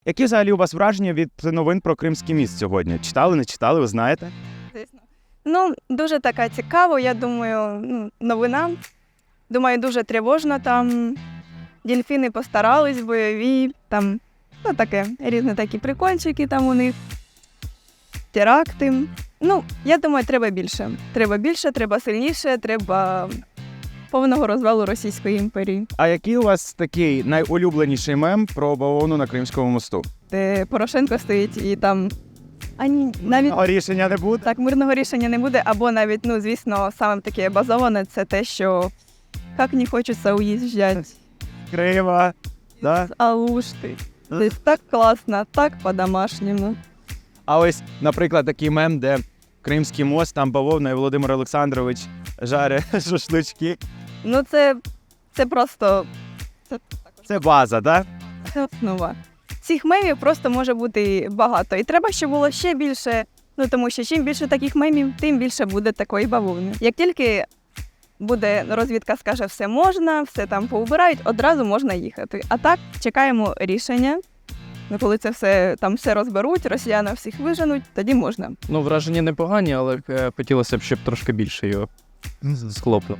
Які взагалі у вас враження від новин про Кримський міст сьогодні? Читали, не читали, ви знаєте? Звісно. Ну, дуже така цікава, я думаю, новина. Думаю, дуже тривожна там. Дельфіни постарались, бойові, там, таке, різні такі прикольчики там у них. Теракти. Ну, я думаю, треба більше. Треба більше, треба сильніше, треба повного розвалу Російської імперії. А який у вас такий найулюбленіший мем про бавовну на Кримському мосту? Де Порошенко стоїть і там навіть Рішення не буде? так мирного рішення не буде, або навіть, звісно, саме таке базоване, це те, що як не хочеться уїжджати Крима, да? з Алушти. Десь так класно, так по-домашньому. А ось, наприклад, такий мем, де Кримський мост, там бавовна і Володимир Олександрович жарить шашлички. Ну, це просто Це база, так? це основа. Цих мемів просто може бути багато. І треба, щоб було ще більше, тому що чим більше таких мемів, тим більше буде такої бавовни. Як тільки буде розвідка скаже, все можна, все там поубирають, одразу можна їхати. А так, чекаємо рішення. Коли це все розберуть, росіяни всіх виженуть, тоді можна. Ну, враження непогані, але хотілося б, щоб трошки більше його схлопнуло.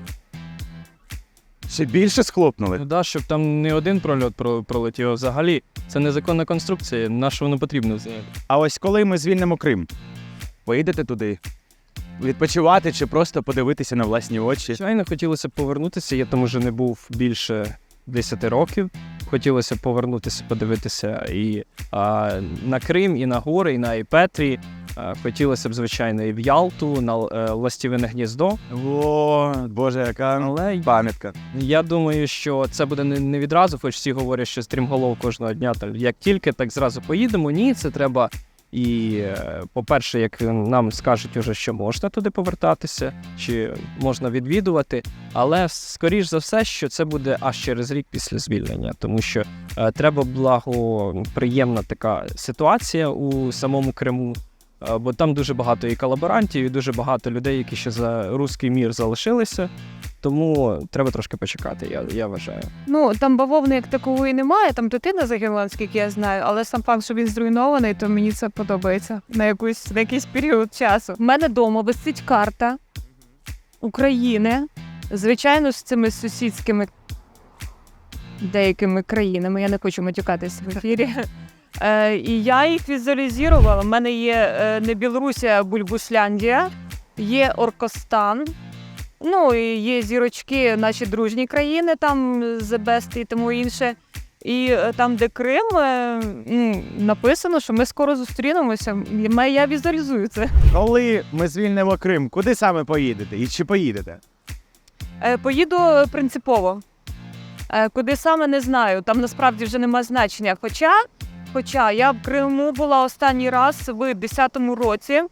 Ще більше схлопнули? Ну да, щоб там не один прольот пролетів, а взагалі це незаконна конструкція, на що воно потрібно взагалі. А ось коли ми звільнимо Крим, поїдете туди? Відпочивати чи просто подивитися на власні очі? Звичайно, хотілося б повернутися, я там уже не був більше 10 років. Хотілося б повернутися, подивитися і на Крим, і на гори, і на Іпетрі. Хотілося б, звичайно, і в Ялту, на Ластівине гніздо. О, Боже, яка Але пам'ятка. я думаю, що це буде не відразу, хоч всі говорять, що стрімголов кожного дня. Як тільки, так зразу поїдемо. Ні, це треба. І, по-перше, як нам скажуть уже, що можна туди повертатися, чи можна відвідувати, але, скоріш за все, що це буде аж через рік після звільнення, тому що треба благоприємна така ситуація у самому Криму, бо там дуже багато і колаборантів, і дуже багато людей, які ще за руський мір залишилися, тому треба трошки почекати, я вважаю. Ну, там бавовни як такової немає, там дитина загинула, наскільки я знаю, але сам факт, що він зруйнований, то мені це подобається на якийсь період часу. У мене вдома висить карта України, звичайно, з цими сусідськими деякими країнами, я не хочу матюкатись в ефірі. І я їх візуалізувала. У мене є не Білорусія, а Бульбушляндія, є Оркостан, ну, і є зірочки, наші дружні країни, там The Best і тому інше. І там, де Крим, написано, що ми скоро зустрінемося. Я візуалізую це. Коли ми звільнимо Крим, куди саме поїдете? І чи поїдете? Поїду принципово. Куди саме, не знаю. Там насправді вже нема значення. Хоча я в Криму була останній раз в 10-му році.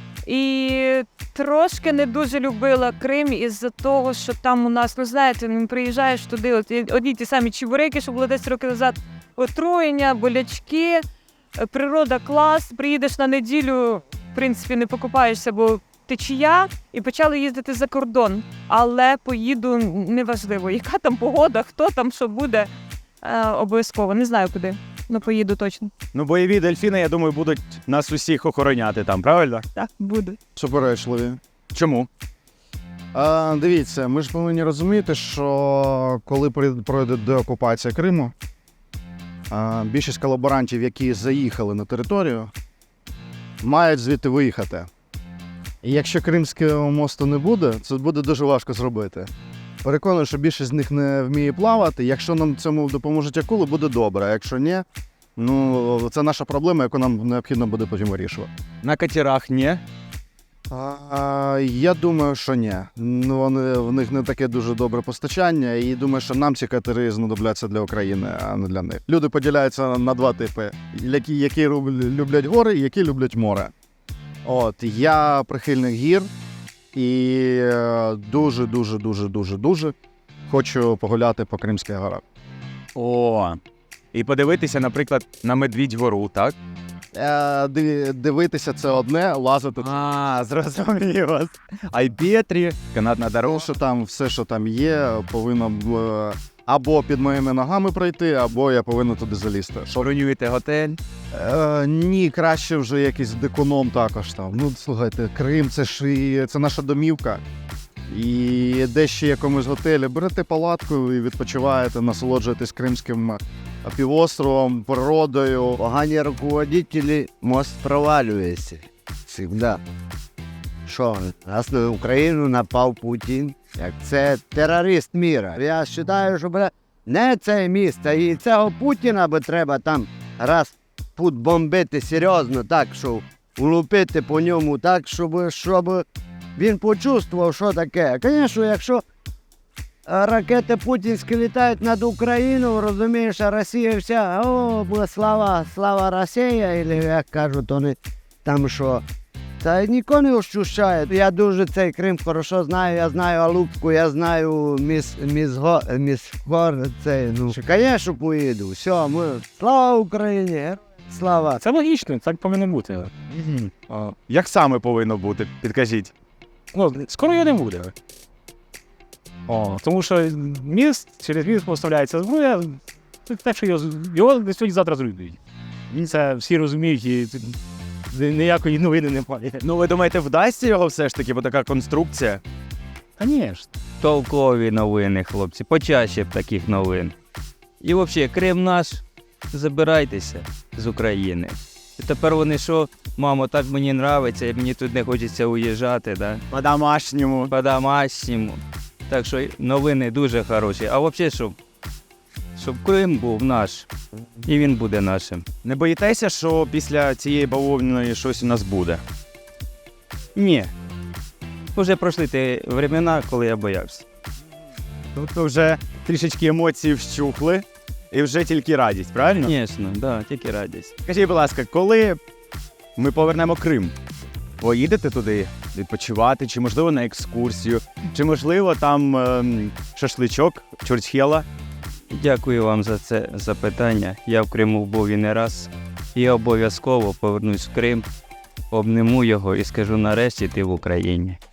І трошки не дуже любила Крим із-за того, що там у нас, знаєте, приїжджаєш туди, одні ті самі чебуреки, що було 10 років назад, отруєння, болячки, природа клас, приїдеш на неділю, в принципі, не покупаєшся, бо течія, і почали їздити за кордон. Але поїду, неважливо, яка там погода, хто там, що буде, обов'язково, не знаю куди. Ну, поїду точно. Ну, бойові дельфіни, я думаю, будуть нас усіх охороняти там, правильно? Так, буде. Суперечливі. Чому? Дивіться, ми ж повинні розуміти, що коли пройде деокупація Криму, більшість колаборантів, які заїхали на територію, мають звідти виїхати. І якщо Кримського мосту не буде, це буде дуже важко зробити. Переконаний, що більшість з них не вміє плавати. Якщо нам цьому допоможуть акули, буде добре. А якщо ні, це наша проблема, яку нам необхідно буде потім вирішувати. На катерах ні. Я думаю, що ні. В них не таке дуже добре постачання, і думаю, що нам ці катери знадобляться для України, а не для них. Люди поділяються на два типи, які люблять гори і які люблять море. Я прихильник гір і дуже хочу погуляти по Кримських горах. О, і подивитися, наприклад, на Медвідь-гору, так? Дивитися це одне, лазити. Зрозумів вас. А й Петрі, канатна дорога. Все, що там є, повинно або під моїми ногами пройти, або я повинен туди залізти. Бронюєте готель. Ні, краще вже якийсь деконом також там. Ну, слухайте, Крим це ж це наша домівка. І де ще якомусь готелі берете палатку і відпочиваєте, насолоджуєтесь Кримським півостровом, природою. Погані руководителі, мост провалюється. Всегда. Що, раз на Україну напав Путін, як це терорист міра. Я вважаю, що не цей міст, а і цього Путіна би треба там раз тут бомбити серйозно, так, що улупити по ньому так, щоб він почувствував, що таке. Звісно, якщо ракети путінські літають над Україною, розумієш, а Росія вся, слава Росія, або як кажуть вони там що. Та ніхто не ощущає. Я дуже цей Крим хорошо знаю, я знаю Алупку, я знаю Місгор, цей, ну, звісно, поїду. Все, слава Україні, героям слава. Це логічно, так повинно бути. Як саме повинно бути? Підкажіть. Ну, скоро його не буде. Тому що через міст поставляється зброя, так що його сьогодні завтра зруйнують. Це всі розуміють і ніякої новини немає. Ну, ви думаєте, вдасться його все ж таки, бо така конструкція? Звісно. Толкові новини, хлопці, почаще б таких новин. І взагалі, Крим наш, забирайтеся з України. І тепер вони що, мамо, так мені нравиться, і мені тут не хочеться уїжджати, да? По-домашньому. По-домашньому. Так що новини дуже хороші. А взагалі, щоб Крим був наш, і він буде нашим. Не боїтеся, що після цієї бавовняної щось у нас буде? Ні. Уже пройшли ті времена, коли я боявся. Тобто вже трішечки емоції вщухли і вже тільки радість, правильно? Звісно, да, тільки радість. Скажіть, будь ласка, коли ми повернемо Крим, поїдете туди відпочивати, чи можливо на екскурсію, чи можливо там шашличок, чурчхела? Дякую вам за це запитання. Я в Криму був і не раз. І обов'язково повернусь в Крим, обниму його і скажу, нарешті ти в Україні.